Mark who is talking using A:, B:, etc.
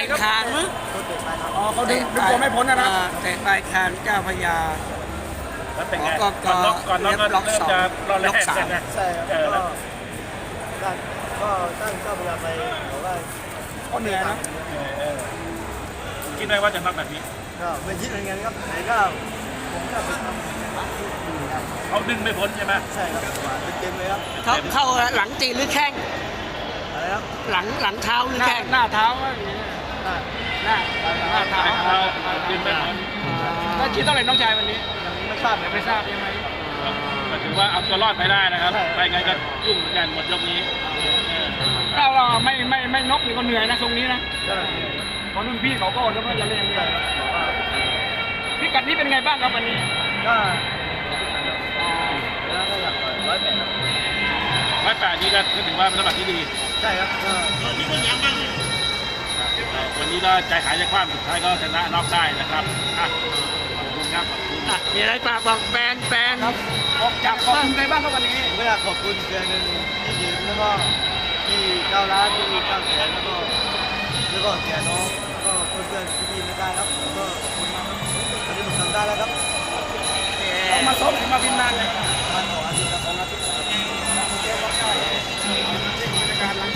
A: คานมั้ง
B: โดนเตะไปครับ
C: อ๋อเขาดึงตัวไม่พ้นนะ
A: เตะปลายคานเจ้าพระยา
D: แล้วเป็นไง
A: ก็
D: ก่อนน็อกก็
A: ล็อก
D: เริ่ม
A: สอง
D: จะรอแร
A: ล็อก
D: ก
A: สาม
D: กันนะ
B: ใช่ครับ
D: แล้ว
B: ก็ตั้งเจ้าพยาไปบอกว่า
C: ก็เหนื่อยนะ
D: เออคิดไหมว่าจะน็อกแบบนี้
B: ก็ไม่คิดเหมือนกันครับไหนก็ผมก็ไปทำ
D: เขาดึงไม่พ้นใช่ไหม
B: ใช่ครับเต็มเลยครับ
A: เข้าหลังตีหรือแข้ง
B: อะไรครับ
A: หลังเท้าหรือแข้ง
C: หน้าเท้าก็อย่างนี้
B: หน้า
C: หน้าเท้า
D: เขาดึงไม่พ้น
C: แล้วคิดเท่าไหร่น้องชายวันนี้
B: ยังไม่ทราบเลย
C: ไม่ทราบยังไง
D: ก็ถือว่าเอาตัวรอดไปได้นะครับ
B: ใช่
D: ไปไงก็ยุ่งเหมือนกันหมดยกนี้
C: ถ้าเราไม่นกนี่ก็เหนื่อยนะทรงนี้นะเพราะรุ่นพี่เขาก็แล้วก็จะเล่นด้วยพิกัดนี้เป็นไงบ้างครับวันนี้
B: ก็แล้วก็อยาก108ครับ
D: 108นี้ก็ถือว่าเป็นน้ำหนักที่ดี
B: ใช่ครับก็
D: วันนี้ก็ใจหายใจคว่ำสุดท้ายก็ชนะน็อกได้นะครับอ่ะขอบคุณครับขอบคุณ
A: มีอะไรฝากบอกแฟน
C: ครับออกจากขอบคุณใครบ้างครับวันนี้
B: ผมก็อยากขอบคุณเดือนหนึ่งที่ยืมแล้วก็ที่9 ล้านที่9 แสนแล้วก็เสียน้องแล้วก็เพื่อนๆที่ไม่ได้ครับแล้วก็ขอบคุณมากครับวันนี้ผมทำได้แล้วครับ
A: ๆ
C: มาซ้อมถึงมาพิมพ์นานเลย